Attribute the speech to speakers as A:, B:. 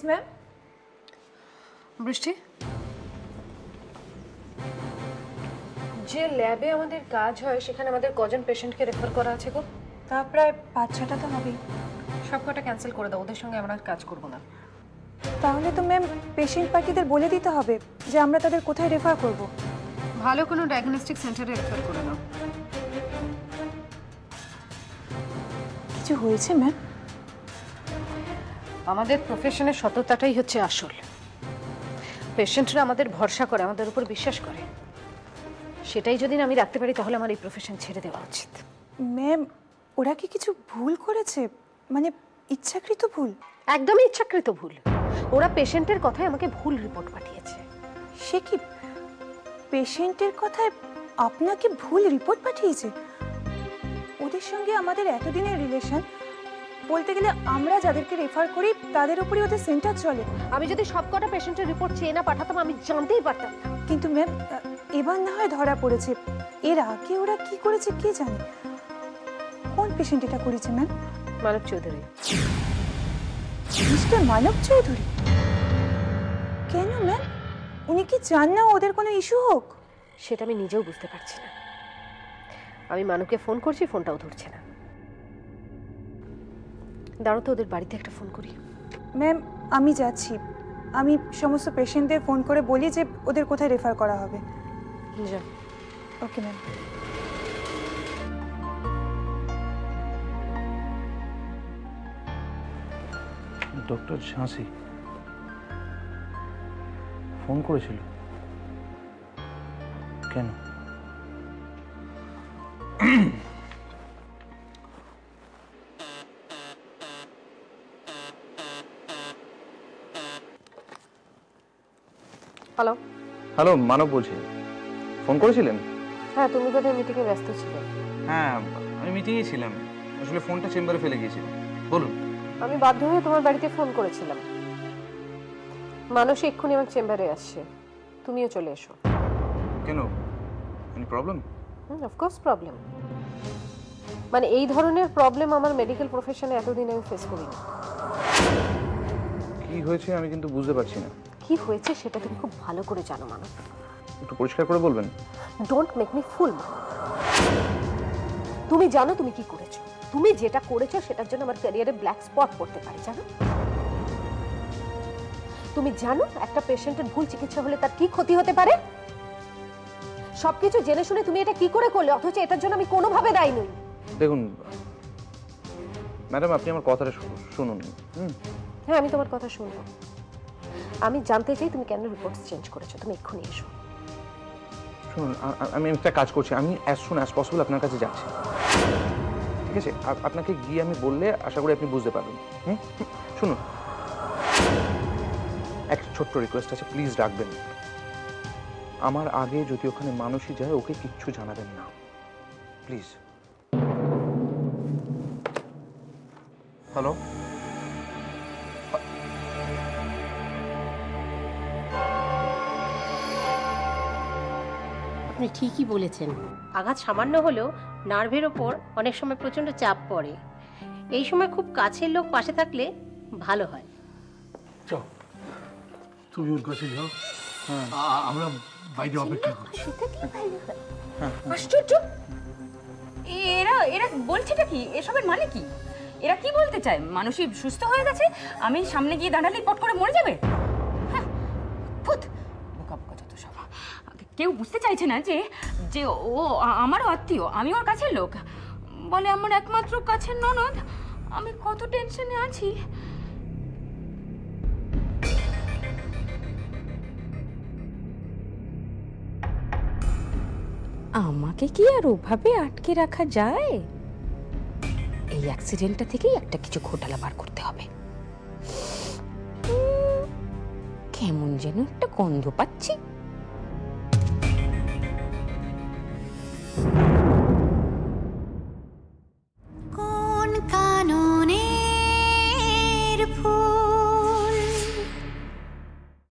A: Ma'am.
B: বৃষ্টি, যে ল্যাবে আমাদের কাজ হয় সেখানে আমাদের কজন পেশেন্টকে রেফার করা আছে গো?
A: তা প্রায় 5-6টা তো হবেই।
B: সবকটা ক্যান্সেল করে দাও, ওদের সঙ্গে আমরা কাজ করব না।
A: তাহলে তো ম্যাম পেশেন্ট পার্টিদের বলে দিতে হবে যে আমরা তাদের কোথায় রেফার করব।
B: ভালো কোনো ডায়াগনস্টিক সেন্টারে রেফার করে দাও।
A: কিছু হয়েছে ম্যাম?
B: আমাদের প্রফেশনের সততাটাই হচ্ছে আসল। পেশেন্টরা আমাদের ভরসা করে, আমাদের উপর বিশ্বাস করে, সেটাই যদি আমি রাখতে পারি তাহলে আমার এই প্রফেশন ছেড়ে দেওয়া উচিত।
A: ম্যাম ওরা কি কিছু ভুল করেছে, মানে ইচ্ছাকৃত ভুল?
B: একদমই ইচ্ছাকৃত ভুল। ওরা পেশেন্টের কথায় আমাকে ভুল রিপোর্ট পাঠিয়েছে।
A: সে কি পেশেন্টের কথায় আপনাকে ভুল রিপোর্ট পাঠিয়েছে? ওদের সঙ্গে আমাদের এতদিনের রিলেশন, বলতে গেলে আমরা যাদেরকে রেফার করি তাদের উপরই ওদের সেন্টার চলে।
B: আমি যদি সবকটা পেশেন্টের রিপোর্ট চেয়ে না পাঠাতাম আমি জানতেই পারতাম না।
A: কিন্তু ম্যাম এবার না হয় ধরা পড়েছে, এর আগে ওরা কি করেছে কে জানে। কোন পেশেন্ট এটা করেছে ম্যাম?
B: মানব চৌধুরী।
A: মিস্টার মানব চৌধুরী? কেন ম্যাম, উনি কি চান না ওদের কোনো ইস্যু হোক?
B: সেটা আমি নিজেও বুঝতে পারছি না। আমি মানবকে ফোন করছি, ফোনটাও ধরছে না। দাঁড়াও তো, ওদের বাড়িতে একটা ফোন করি।
A: ম্যাম আমি যাচ্ছি, আমি সমস্ত পেশেন্টদের ফোন করে বলি যে ওদের কোথায় রেফার করা হবে।
B: যা।
A: Okay ma'am.
C: ডক্টর ঝাঁসি ফোন করেছিল কেন?
B: হ্যালো।
C: হ্যালো, মানব বলছি। ফোন করেছিলেন?
B: হ্যাঁ, তুমি বোধহয় মিটিংয়ে ব্যস্ত ছিলে।
C: হ্যাঁ, আমি মিটিংয়ে ছিলাম, আসলে ফোনটা চেম্বারে ফেলে গিয়েছিলাম। বলুন।
B: আমি বাধ্য হয়ে তোমার বাড়িতে ফোন করেছিলাম। মানুষ এক্ষুনি আমার চেম্বারে আসছে, তুমিও চলে এসো।
C: কেন, এনি প্রবলেম?
B: Of course problem. মানে এই ধরনের প্রবলেম আমার মেডিকেল প্রফেশনে এতদিন আমি ফেস করিনি।
C: কি হয়েছে আমি কিন্তু বুঝতে পারছি না।
B: কি হয়েছে সেটা তুমি খুব ভালো করে জানো মানব।
C: একটু পরিষ্কার করে বলবেন?
B: Don't make me fool. তুমি জানো তুমি কি করেছো। তুমি যেটা করেছো সেটার জন্য আমার ক্যারিয়ারে ব্ল্যাক স্পট পড়তে পারে, জানো? তুমি জানো একটা পেশেন্টের ভুল চিকিৎসা হলে তার কি ক্ষতি হতে পারে? সবকিছু জেনে শুনে তুমি এটা কি করে করলে, অথচ এটার জন্য আমি কোনোভাবে দায়ী নই।
C: দেখুন ম্যাডাম, আপনি আমার কথাটা শুনুন।
B: হ্যাঁ, আমি তোমার কথা শুনবো। আমি জানতে চাই তুমি কেন রিপোর্টস চেঞ্জ করেছো। তুমি এক্ষুনি এসো।
C: শুনুন, আমি একটা কাজ করছি, আমি অ্যাজ সুন অ্যাজ পসিবল আপনার কাছে যাচ্ছি, ঠিক আছে? আপনাকে গিয়ে আমি বললে আশা করি আপনি বুঝতে পারবেন। শুনুন, একটা ছোট্ট রিকোয়েস্ট আছে, প্লিজ রাখবেন। আমার আগে যদি ওখানে মানুষই যায় ওকে কিচ্ছু জানাবেন না, প্লিজ। হ্যালো।
D: আপনি ঠিকই বলেছেন, আঘাত সামান্য হলেও নার্ভের ওপর অনেক সময় প্রচণ্ড চাপ পড়ে। এই সময় খুব কাছের লোক পাশে থাকলে ভালো হয়।
E: চল, তুমি ওর কাছে যাও, আমরা বাইরে অপেক্ষা করছি।
F: আশ্চর্য! এরা এরা বলছেটা কি? এসবের মানে কি? এরা কি বলতে চায়? মানুষই সুস্থ হয়ে গেছে, আমি সামনে গিয়ে দাঁড়ালেই পট করে মরে যাবে? হ্যাঁ, ফুত বোকা বোকা যত সব। কেউ বুঝতে চাইছে না যে যে ও আমারও আত্মীয়, আমি ওর কাছের লোক। বলে আমার একমাত্র কাছের ননদ। আমি কত টেনশনে আছি।
G: আমাকে কি আর ওভাবে আটকে রাখা যায়? এই অ্যাক্সিডেন্টটা থেকেই একটা কিছু ঘোটালা বার করতে হবে। কেমন যেন একটা গন্ধ পাচ্ছি।